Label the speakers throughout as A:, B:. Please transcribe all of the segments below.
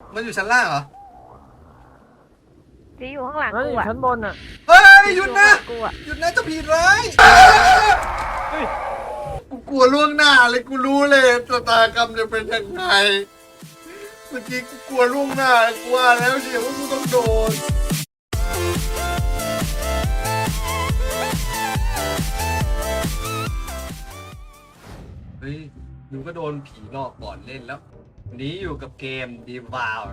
A: มันอยู่ชั้นล่างเหรอ
B: ที่อยู่ข้างหลัง
C: นั่น
B: กู
C: อยู่
B: อะ
C: ชั้นบนอ่ะ
A: เฮ้ยหยุดนะ
B: กูอะ
A: หยุดนะเจะผิดร้ายกูกลัวล่วงหน้าเลยกูรู้เลยชะตากรรมจะเป็นยังไงเมื่อกี้กูกลัวล่วงหน้ากูว่าแล้วเชียวว่ากูต้องโดนเฮ้ยดูก็โดนผีหลอกก่อนเล่นแล้ววันนี้อยู่กับเกม Devour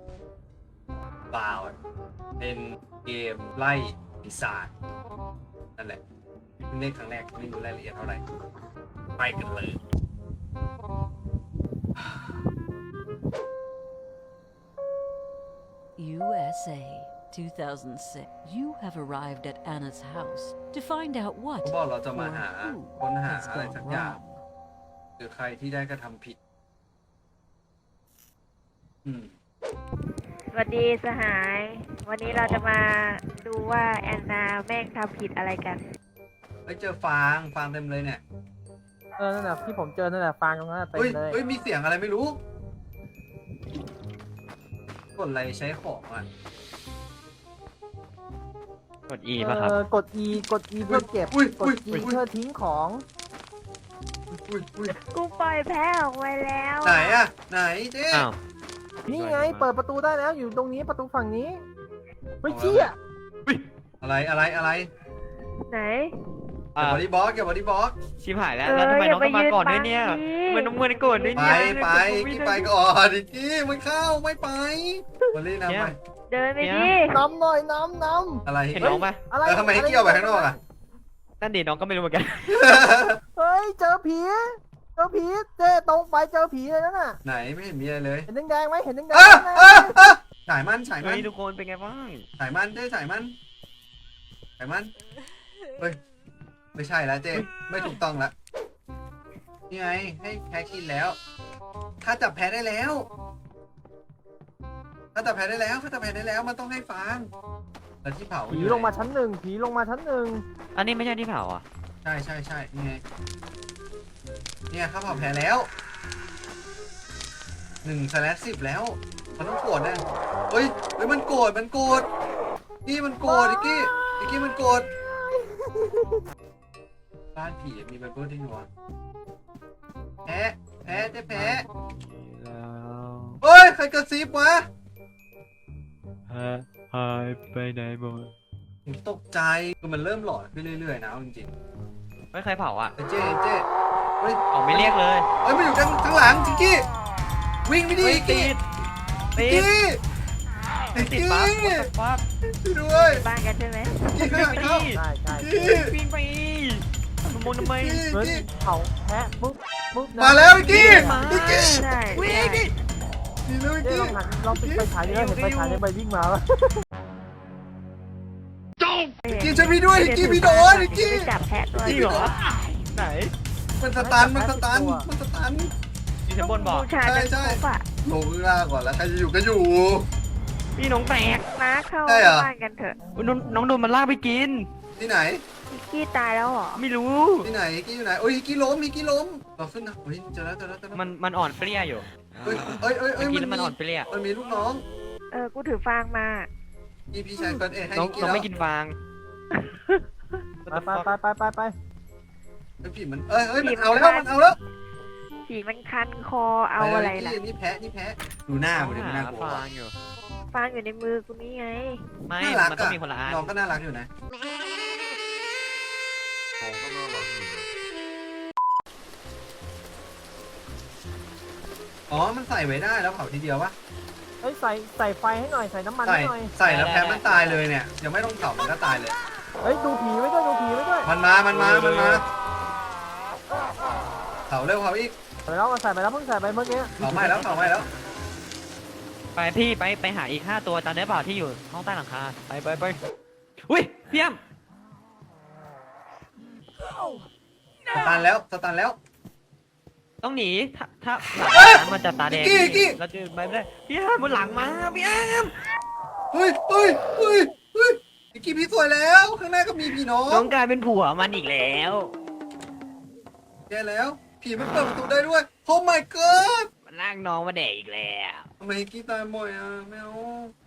A: เป็นเกมไล่ปีศาจนั่นแหละเพิ่งเล่นครั้งแรกไม่รู้รายละเอียดเท่าไหร่ไปกันเลย
D: USA 2006. You have arrived at Anna's house to find out what
A: เขาบอกเราจะมา
D: or
A: หา
D: who
A: ค้นหา
D: has
A: อะไร
D: gone
A: สักอย่าง
D: wrong.
A: หรือใครที่ได้กระทำผิดอืม
B: สวัสดีสหาย วันนี้เราจะมาดูว่าแอนนาแม่งทำผิดอะไรกัน
A: ไปเจอฟางเต็มเลยเนี่ย
C: นั่นแหละที่ผมเจอนั่นแหละฟางตรงนั้นเต็ม
A: เฮ้ย
C: เลย
A: เฮ้ยมีเสียงอะไรไม่รู้กดอะไรใช้ของอ่ะ
E: กด E ป่ะครับ
C: กด E กด E เพื่อเก็บ
A: อุ้ย
C: ก
A: อุ้
C: ด
A: ย
C: G เพื่อทิ้งของ
A: อุ้ย
B: กูปล่อยแพ้ออกไปแล้ว
A: ไหนอ่ะไหนเจ๊
E: อ้าว
C: นี่ไงเปิดประตูได้แล้วอยู่ตรงนี้ประตูฝั่งนี้เฮ้ยเชี่ย
A: อะไร
B: ไหน
A: เก็บบอดี้บล็อกเก็บบอดี้บล็อก
E: ชิบหายแล้ว แล้วทำไมน้องต้องมาก่อนด้วยเนี่ยทำไมน้องเงินก่อนด้วย
A: ไป
E: เนี่ย
A: ไปกี้ไปก่อนดิกี้ไม่เข้าไม่ไปมาลีนะไป
B: เดินไปดิ
C: น้ำหน่อยน้ำ
A: อะไร
E: เห็นน้องปะ
C: อะไร
A: ทำไมให้กี้ออกไปข้างนอกอ่ะ
E: นั่นดิน้องก็ไม่รู้เหมือนกัน
C: เฮ้ยเจอผีเจ๊ตรงไปเจอผีเลยนั่นน่ะ
A: ไหนไม่เห็นมีอะไรเลย
C: เห็นแดงๆไหมเห็นแดงๆ
A: อ่ะ
C: ไหม
A: ฉายมัน
E: เฮ้ยทุกคนเป็นไงบ้าง
A: ฉายมันเจ๊ฉายมันเฮ้ยไม่ใช่แล้วเจ๊ไม่ถูกต้องละนี่ไงให้แพ้กินแล้วข้าจับแพ้ได้แล้วมันต้องให้ฟางแล้วที่เผา
C: ผีลงมาชั้นหนึ่ง
E: อันนี้ไม่ใช่ที่เผาอ่ะ
A: ใช่นี่ไงเนี่ยข้าเผาแพ้แล้ว1/10แล้วมันต้องโกรธนะเฮ้ยมันโกรธกี้มันโกรธกี้มันโกรธบ้านผีมีไบเบิลด้วยวะแพ้เจ๊แพ้เฮ้ยใครกระซิบวะ
E: หายไปไหนหมด
A: ผมตกใจคือมันเริ่มหลอนขึ้นเรื่อยๆนะจริง
E: ไม่เคยเผาอ่ะ
A: ๆเจ๊เฮ้ย
E: ออกไม่เรียกเลย
A: มันอยู่ข้างหลังจิกกี้วิ่งไปดิ
E: เฮ้ย
A: กี้
E: ติด
A: กี้
E: ติดปั๊บปั๊บ
A: ช่วยด้วย
B: บ้านกันใช่ไหม
A: กี้ข้างหลังเข้า
C: ใช่
A: กี้
E: วิ่งไปมองทำไม
C: เหมือนเผาแพะปุ๊บนะ
A: มาแล้วกี้
B: ใช่
E: วิ่ง
B: ใช่
E: ดิ
A: นี่เลย
C: เจ๊
A: กี้
C: ลองหันลองปิดไฟฉายดิเห็นไฟฉายในใบวิ่งมาปะ
A: กี้ช่วยพี่ด้วยกี้พี่โดนกี้
B: ไปจับแพะตัว
E: จริงเหรอไหน
A: มันสตัน
E: อยู่ชั้นบนบอก
B: ผู้ชายเป็นครบอะ
A: ลงข้างล่างก่อนแล้วใครจะอยู่ก็อยู่
E: พี่น้องแตก
B: มาเข้า
A: ใช่เหรอ
B: บ้านกันเถอะ
E: น้องโดนมันลากไปกิน
A: ที่ไหน
B: พิกกี้ตายแล้วเหรอ
E: ไม่รู้
A: ที่ไหนกี้อยู่ไหนโอ้ยกี้ล้มเราขึ้นนะเฮ้ยเจอแล้ว
E: มันอ่อนเปรี้ยอยู่
A: เฮ้ย
E: เมื่อกี้แล้วมันอ่อนเปรี้ย
A: มันมีลูกน้อง
B: กูถือฟางมา
A: พี่ชายเฟิร์นให้
E: น้อง
A: กี้
E: น้อง
A: แล้ว
E: ไม่กินฟาง
C: ไป
A: ผีมันมันเอาแล้ว
B: ผีมันคันคอเอาอะไรล่ะ
A: นี่แพ้ดูหน้ามันดิมันน่ากลัว
E: ฟางอยู่
B: ฟางอยู่ในมือกูนี่ไง
E: ไม่
A: น่ารัก
E: มันต้องมีคนละอัน
A: น้องก็น่ารักอยู่นะอ๋อมันใส่ไว้ได้แล้วเผาทีเดียวปะ
C: เฮ้ยใส่ไฟให้หน่อยใส่น้ำมันให้หน่อย
A: ใส่แล้วแพ้มันตายเลยเนี่ยยังไม่ต้องเผามันก็ตายเลย
C: เฮ้ยดูผีไว้ด้วย
A: มันมาเผาเร็วเผาอีก
C: ใส่ไปแล้วเพิ่งใส่ไปเมื่อกี้
A: เผาไหม้แล้ว
E: ไปพี่ไปหาอีก5ตัวตามได้เปล่าที่อยู่ห้องใต้หลังคาไปอุ้ยพี่อ้ำ
A: สตันแล้ว
E: ต้องหนีถ้าหลังนั้นมันจะตาแดง
A: กี้
E: เราจะไปไม่ได้พี่อ้ำบนหลังมาพี่อ้ำ
A: เฮ้ยพี่สวยแล้วข้างหน้าก็มีพี่น้อ
E: น้อง งกลายเป็นผัวมันอีกแล้ว
A: แกแล้วผีมันเปิดประตูได้ด้วย โอ้ my god
E: มันลากน้องมาแดกอีกแล้ว
A: ทำไมกี้ตายบ่อยอ่ะไม่เอา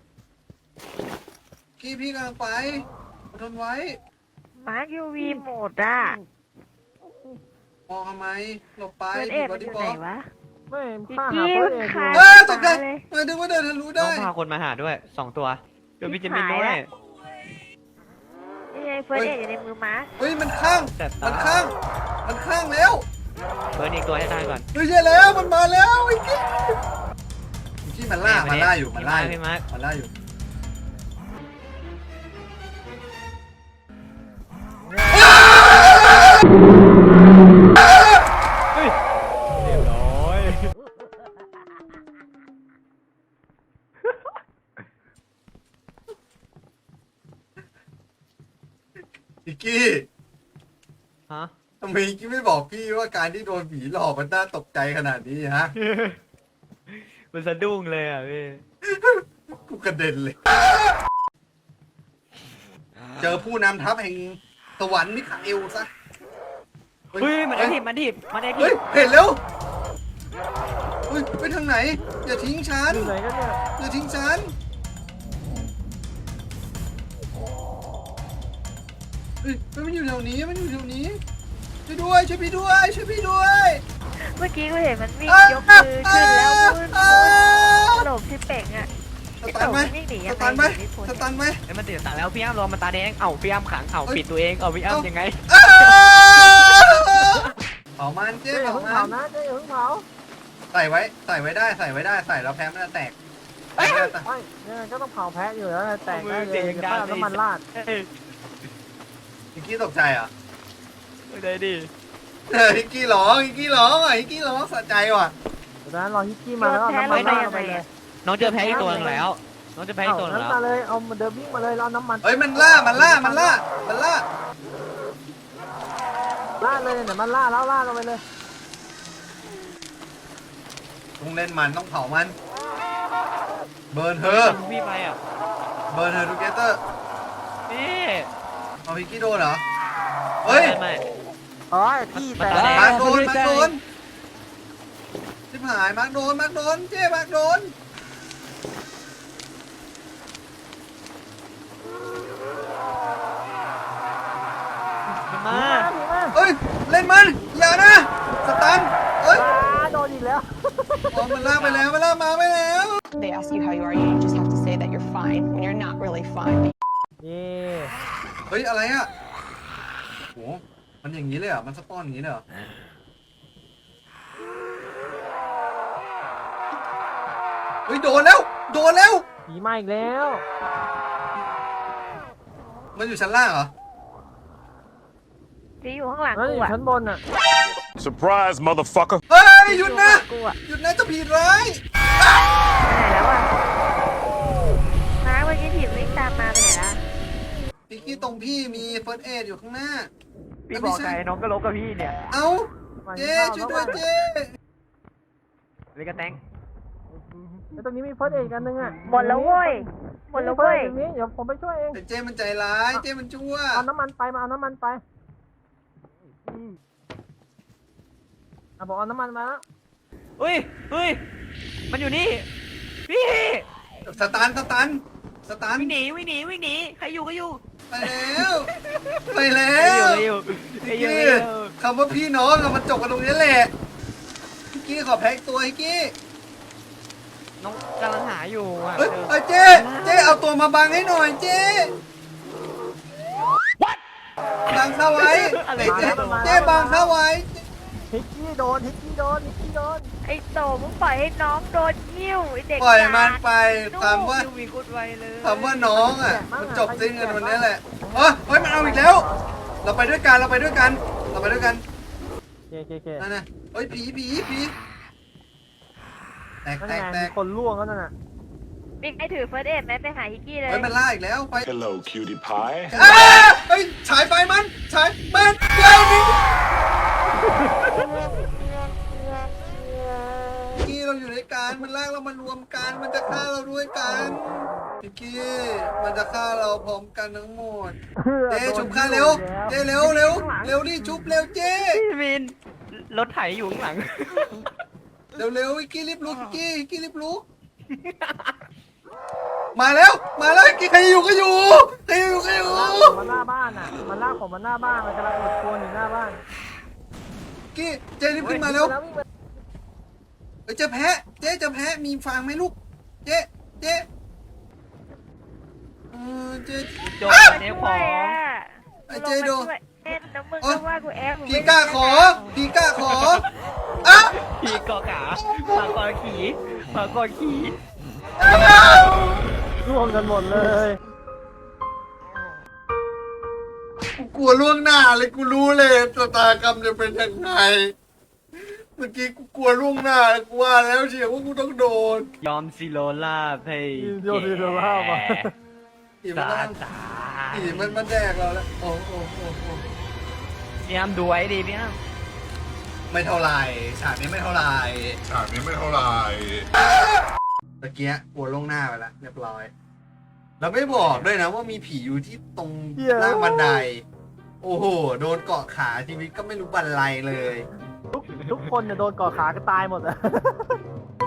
A: กี้พี่กำลังไปอดทนไว้
B: มาร์คยูวีโหมดอ่ะ
A: มองทำไมหลบไป
B: เฟิร์สเอ
A: ผิด
B: ด
A: บอ
B: มันอ
A: ดี้
B: ยู่
A: บ
B: ไห
A: อน ก
B: วะ
C: ไม่
B: พี่
C: ข้าหา
B: กี้
C: เฟิร์ส
B: มัน
C: เอด
B: ขาย
A: ตกใจ
B: เลย
A: มาดึงว่าเดินทะลุ
E: น้
A: ได้
E: องพาคนมาหาด้วย2 ตัวเดี๋ยวพี่จะมินด้วย
B: นี่ไงเฟิร์สเอดอยู่ในมือมาร์ค
A: เฮ้ยมันข้าง
E: แต่ตา
A: มันข้างมันข้างแล้ว
E: เบิร์นอีกตัวให้ตายก่อน
A: เฮ้ยใช่แล้วมันมาแล้วไอ้กี้มันล่า
E: แม่
A: มัน
E: มา
A: ล่า
E: ดิ
A: อยู่มันล่าอยู่
E: พี่มาร์ค
A: มันล่าอยู่
E: เฮ้ยเรียบร้อย
A: อีกกี้
E: ฮะ
A: ทำไมอีกกี้ไม่บอกพี่ว่าการที่โดนผีหลอกมันน่าตกใจขนาดนี้ฮะ
E: มันสะดุ้งเลยอ่ะพี่
A: กูกระเด็นเลย เจอผู้นำทัพแห่งสวรรค์มิคาเอลซะ
E: เฮ้ยมันไอทีมันทีบมันไอที
A: เฮ้ย
E: บ
A: เห็นแล้วเฮ้ยไปทางไหน อย่าทิ้งฉัน
C: อยู่ไหนกันเนี่ย
A: อย่าทิ้งฉันเฮ้ยมันอยู่แถวนี้มันอยู่แถวนี้ช่วยด้วยช่วยพี่ด้วยช่วยพี่ด้วย
B: เมื่อกี้กูเห็นมันวิ่ง
A: อ้าย
B: กมือขึ้นแล้วมึน
A: อ้า
B: หลบที่เป่งอ่ะ
A: สตันไหม
B: วิ่งหนี
A: ส
B: ยังไง
A: ตันไหม
B: หนีพ้น
A: สตันไหม
E: ไอ้มันติดตาแล้วพี่อ้ำรอมันตาแดงเอ้าพี่อ้ำขังเอ้าปิดตัวเองเอ้าพี่อ้ำยังไง
A: อ้าเผามันเจ๊
C: เจ๊อย่า
A: เผา
C: เพิ่ง
A: มั
C: เผาน นะเจ๊อย่าเพิ่งเผา
A: ใส่ไว้ใส่ไว้ได้ใส่ไว้ได้ใส่แล้วแพ้มันจะแตกใส่ไม่ได้แต่
C: ไม่ยังไงก็ต้องเผาแพะอยู่แล้วแตกได้เลย
E: เสียง
C: เดี๋ยว
E: ดัง
C: ค่อยเอาน้ำมันราด
E: เฮ้ย
A: ฮิกกี้ตกใจเหรอ
E: ไม่ได้ดิ
A: ฮิกกี้ร้องฮิกกี้ร้องอ่ะฮิกกี้ร้องสะใจว่ะ
C: เดี๋ยวนั้นรอฮิกกี้มาแล้วเอาน้ำมันราดลงไปเลย
E: น้องเจอแพ้อีกตัวหนึงแล้ว น้องจะแพ้อีกตัวหนึง
C: นั้น
E: แล้ว
C: มาเลยเอาเดินวิ่งมาเลยแล้วเอาน้ำมัน
A: เฮ้ยมันล่ามันล่ามันล่ามันล่า
C: ราดเลยเนี่ยมันราดแล้วราดลงไปเลย
A: ต้องเล่นมันต้องเผามันเบิร์นเธอ
E: พี่ไปอ่ะ
A: เบิร์นเธอทูเกเตอร์
E: นี่
A: เอาฮิกกี้โดนเหรอเฮ้ย
E: ไม่
C: อ๋อที่แตก
E: มันตาแดง
A: มาร์คโดนมาร์คโดนชิบหายมาร์คโดนมาร์คโดนเจ๊มาร์คโดน
E: มันมา
C: ผีมา
A: เฮ้ยเล่นมันอย่านะสตันเฮ้ย
C: โดนอีกแล้ว
A: อ๋อมันล่าไปแล้วมันล่ามาไปแล้ว
F: They ask you how you are, you just have to say that you're fine when you're not really fine.
C: เย่
A: เฮ้ยอะไรอ่ะโหมันอย่างนี้เลยเหรอมันสปอนอย่างนี้เลยเหรอเฮ้ยโดนแล้วโดนแล้ว
C: ผีมาอีกแล้ว
A: มันอยู่ชั้นล่างเหรอ
B: ที่อยู่ข้างหลัง
C: นั่น
B: กู
C: อยู่
B: อ่ะ
C: ชั้นบนอ่ะ
G: Surprise, motherfucker.
A: เฮ้ยหยุดนะ
B: กูอ่ะ
A: หยุดนะเจะผีร้าย
B: ไปไหนแล้วอ่ะมาร์คเมื่อกี้ผีวิ่งตามมาไปไหนละ
A: พี่กี้ตรงพี่มีเฟิร์สเอดอยู่ข้างหน้า
E: พี่บอกไงน้องก็ลบกับพี่เนี่ย
A: เอ้าเจ๊ช่วยด้วยเจ๊
E: เลยกระแตง
C: แล้วตรงนี้มีเฟิร์สเอกอันนึงอ่ะ
B: หมดแล้วเว้ยหมดแล้วเว้ย
C: ตรงนี้เดี๋ยวผมไปช่วยเอง
A: แต่เจ๊มันใจร้ายเจ๊มันชั่ว
C: เอาน้ำมันไปมาเอาน้ำมันไปบอกเอาน้ำมันมาแล้ว
E: เฮ้ยเฮ้ยมันอยู่นี่พี่
A: สตันสตันสตัน
E: วิ่งหนีวิ่งหนีวิ่งหนีใครอยู่ก็อยู่
A: ไปแล้วไปแล้
E: ใครอยู่
A: ว
E: ใครอยู่ใครอยู่
A: พี่
E: ใครอยู่
A: คำว่าพี่น้องอะมันจบกันตรงนี้แหละพี่กี้ขอแพ็กตัวพี่กี้
E: น้องกำลังหาอยู่อ่ะ
A: เฮ้ยเฮ้ยเจ๊เจ๊เอาตัวมาบังให้หน่อยเจ๊บังเข้าไว้เจ๊เจ๊บังเข้าไว้
C: ฮิกกี้โดนฮิกกี้โดนฮิกกี้โดน
B: ไอ้โตมึงปล่อยให้น้องโดนยิ้วไอ้เด็ก
A: ปล่อยมัน
B: กา
A: ไปคำว่า
E: คิวมีกุดไวเลย
A: คำว่าน้องอ่ะมันจบสิ้นกันวันนี้แหละเฮ้ยเฮ้ยมันเอาอีกแล้ว เราไปด้วยกันเราไปด้วยกันเราไปด้วยกัน
C: เค
A: นั่นน่ะเฮ้ยผีแตก
C: นั่น
A: แต
C: ไง
A: กแต
C: มี
A: ก
C: คนล่วงแล้วนั่นน่ะ
B: บิ๊กไอ้ถือเฟิร์สเอดไหมไปหาฮิกกี้เลย
A: เฮ้ยมันล่าอีกแล้วไป
G: Hello, cutie pie.
A: เฮ้ยฉายไฟมันฉายมันเดี๋ยวนี้กี้เราอยู่ด้วยกันมันลากเรามารวมกันมันจะฆ่าเราด้วยกันพี่กี้มันจะฆ่าเราพร้อมกันทั้งหมดเจ๊ชุบฆ่าเร็วเจ๊เร็วเร็วเร็วดิชุบเร็วเจ๊
E: พี่วินรถไถอยู่ข้างหลัง
A: เร็วเร็วกี้รีบลุกกี้รีบลุก
E: พ
A: มาแล้วใครอยู่ก็อยู่ใครอยู่ก็อยู่
C: มันหน้าบ้านอ่ะ มันลากผมมันหน้าบ้าน มันกำลังอุดโคนอยู่หน้าบ้าน
A: กี้เจ๊รีบขึ้นมาเร็ว
C: วิ่งไป
A: เอ้ยเจอแพะเจ๊เจอแพะมีฟางไหมลูกเจ๊เจ๊เจ๊
E: โจมเนฟของ
A: ไอ้เจ๊โดน
B: เอ็นน้ำมึงก็ว่ากูแอบ
A: พี่กล้าขออ่ะ
E: ขี่เกาะขาปากกอขี่ปากกอขี่
C: ร่วมกันหมดเลย
A: กูกลัวล่วงหน้าเลยกูรู้เลยชะตากรรมจะเป็นยังไงเมื่อกี้กูกลัวล่วงหน้ากูว่าแล้วเชียวว่ากูต้องโดน
E: ยอมซิโลลาบให้
C: โยนซีโรล่ามา
A: อีมัน
E: ตา
A: ต้อง
E: ตา
A: อีมันแดกเราแล้วโอ้
E: พี่อ้ำดูไว้ดิพี่อ้ำ
A: ไม่เท่าไหร่ฉากนี้ไม่เท่าไหร่
G: ฉากนี้ไม่เท่าไหร่
A: ตะเกียกลัวล่วงหน้าไปแล้วเรียบร้อยเราไม่บอกด้วยนะว่ามีผีอยู่ที่ตรงล่างบันได โอ้โหโดนเกาะขาชีวิตก็ไม่รู้บรรลัยเลย
C: ทุกคนเนี่ยโดนก่อขาก็ตายหมดอะ